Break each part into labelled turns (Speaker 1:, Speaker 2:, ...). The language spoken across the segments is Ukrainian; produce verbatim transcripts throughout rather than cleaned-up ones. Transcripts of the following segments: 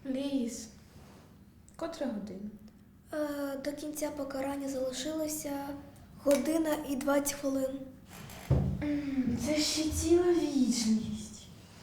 Speaker 1: Ліз, котра година?
Speaker 2: Е, до кінця покарання залишилося година і двадцять хвилин.
Speaker 1: Це ще ціла вічність.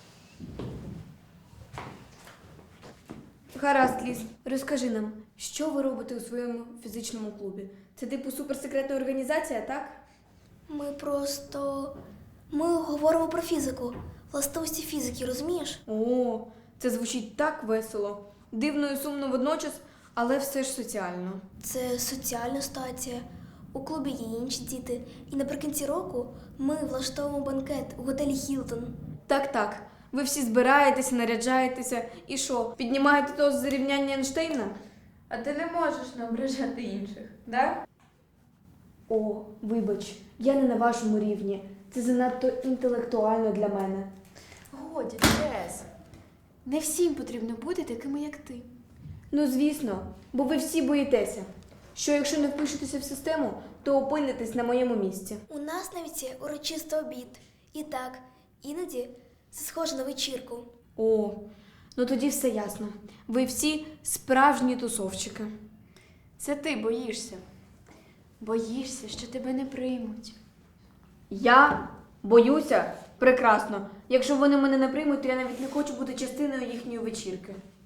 Speaker 3: Гаразд, Ліз, розкажи нам, що ви робите у своєму фізичному клубі? Це типу суперсекретна організація, так?
Speaker 2: Ми просто... Ми говоримо про фізику. Властивості фізики, розумієш?
Speaker 3: О, це звучить так весело. Дивно і сумно водночас, але все ж соціально.
Speaker 2: Це соціальна ситуація. У клубі є інші діти. І наприкінці року ми влаштовуємо банкет у готелі Хілтон.
Speaker 3: Так-так, ви всі збираєтеся, наряджаєтеся і що, піднімаєте тост за рівняння Ейнштейна?
Speaker 1: А ти не можеш не ображати інших, да?
Speaker 3: О, вибач, я не на вашому рівні. Це занадто інтелектуально для мене.
Speaker 1: Годі, Джес. Не всім потрібно бути такими, як ти.
Speaker 3: Ну, звісно, бо ви всі боїтеся, що якщо не впишетеся в систему, то опинитесь на моєму місці.
Speaker 2: У нас навіть є урочистий обід. І так, іноді це схоже на вечірку.
Speaker 3: О, ну тоді все ясно. Ви всі справжні тусовчики.
Speaker 1: Це ти боїшся. Боїшся, що тебе не приймуть.
Speaker 3: Я боюся? Прекрасно. Якщо вони мене не приймуть, то я навіть не хочу бути частиною їхньої вечірки.